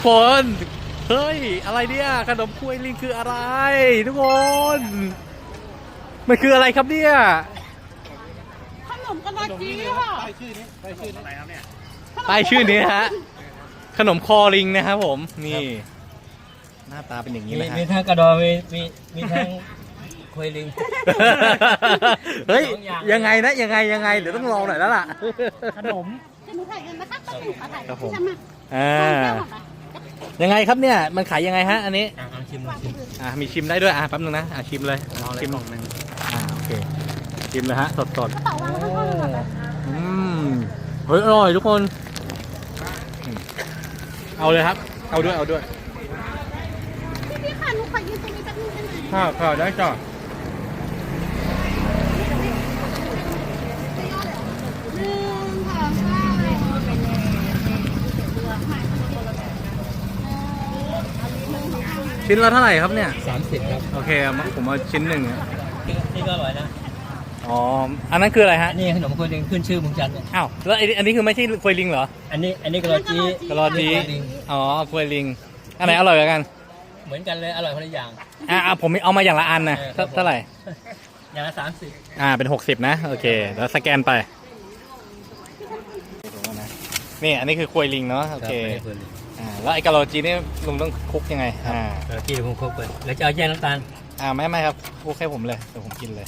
คนเฮ้ยอะไรเนี่ยขนมกล้วยลิงคืออะไรทุกคนมันคืออะไรครับเนี่ยขนมกระดาษจีค่ะป้ายชื่อนี้ฮะขนมคอลิงนะครับผมนี่หน้าตาเป็นอย่างนี้นะฮะมีทั้งกระดองมีทั้งควยลิงเฮ้ยยังไงนะยังไงเดี๋ยวต้องลองหน่อยแล้วล่ะขนมจะหนูถ่ายกันนะคะต้องหนูถ่ายครับผมใช่ไหมยังไงครับเนี่ยมันขายยังไงฮะอันนี้ชิมมีชิมได้ด้วยแป๊บนึงนะชิมเลยชิมกล่องนึงโอเคชิมเลยฮะสดกระเป๋าวางไว้ข้างๆเลยเฮ้ยอร่อยทุกคนเอาเลยครับเอาด้วยพี่ค่ะหนูขอยืนตรงนี้แป๊บนึงได้ไหมข้าวได้จ้ะหนึ่งสองสามชิ้นละเท่าไหร่ครับเนี่ย 30 ครับโอเคผมเอาชิ้นหนึ่งนี่ก็อร่อยนะอ๋ออันนั้นคืออะไรฮะนี่ขนมควยลิงขึ้นชื่อเมืองจันทร์เนี่ยอ้าวแล้วอันนี้คือไม่ใช่ควยลิงเหรออันนี้กระดองจีกะลอจีลิงอ๋อควยลิงอันไหนอร่อยกว่ากันเหมือนกันเลยอร่อยคนละอย่างผมเอามาอย่างละอันนะครับผมเท่าไหร่อย่างละ30 เป็น60นะโอเคแล้วสแกนไปนี่อันนี้คือควยลิงเนาะโอเคแล้วไอ้กะโลจีนี่ลุงต้องคลุกยังไงกระดองจีเดี๋ยวผมครบไปแล้วจะเอาแยกน้ำตาลไม่ครับคลุกให้ผมเลยเดี๋ยวผมกินเลย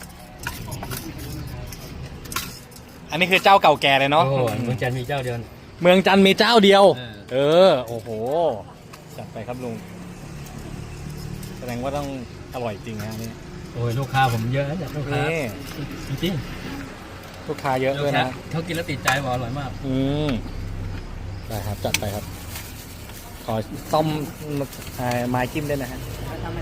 อันนี้คือเจ้าเก่าแก่เลยเนาะโอ้เมืองจันทร์มีเจ้าเดียวเมืองจันทร์มีเจ้าเดียวเอโอ้โหจัดไปครับลุงแสดงว่าต้องอร่อยจริงฮะนี่โอ้ยลูกค้าผมเยอะนะลูกค้านี่จริงลูกค้าเยอะๆด้วยนะเขากินแล้วติดใจบอกอร่อยมากได้ครับจัดไปครับ ขอต้มไม้จิ้มด้วยนะฮะ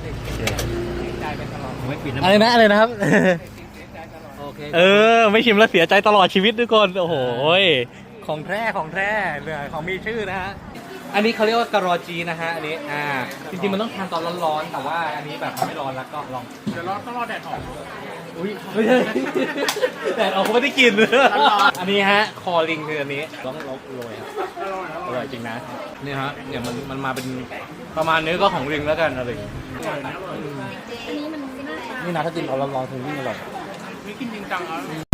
ผมไม่ปิดนะอะไรนะครับโอเคไม่ชิมแล้วเสียใจตลอดชีวิตทุกคนโอ้โหของแท้เลยของมีชื่อนะฮะอันนี้เขาเรียกว่ากะรอจีนะฮะอันนี้จริงๆมันต้องทานตอนร้อนๆแต่ว่าอันนี้แบบไม่ร้อนแล้วก็ลองเดี๋ยวต้องรอแดดออกอุ้ยไม่ใช่แดดออกเขาไม่ได้กินอันนี้ฮะคอลิงคืออันนี้ต้องโรยครับอร่อยจริงนะนี่ฮะเนี่ยมันมาเป็นประมาณนี้ก็ของลิงแล้วกันอะไรนี่นะถ้ากินตอนร้อนๆถึงยิ่งอร่อยกินจริงจังแล้ว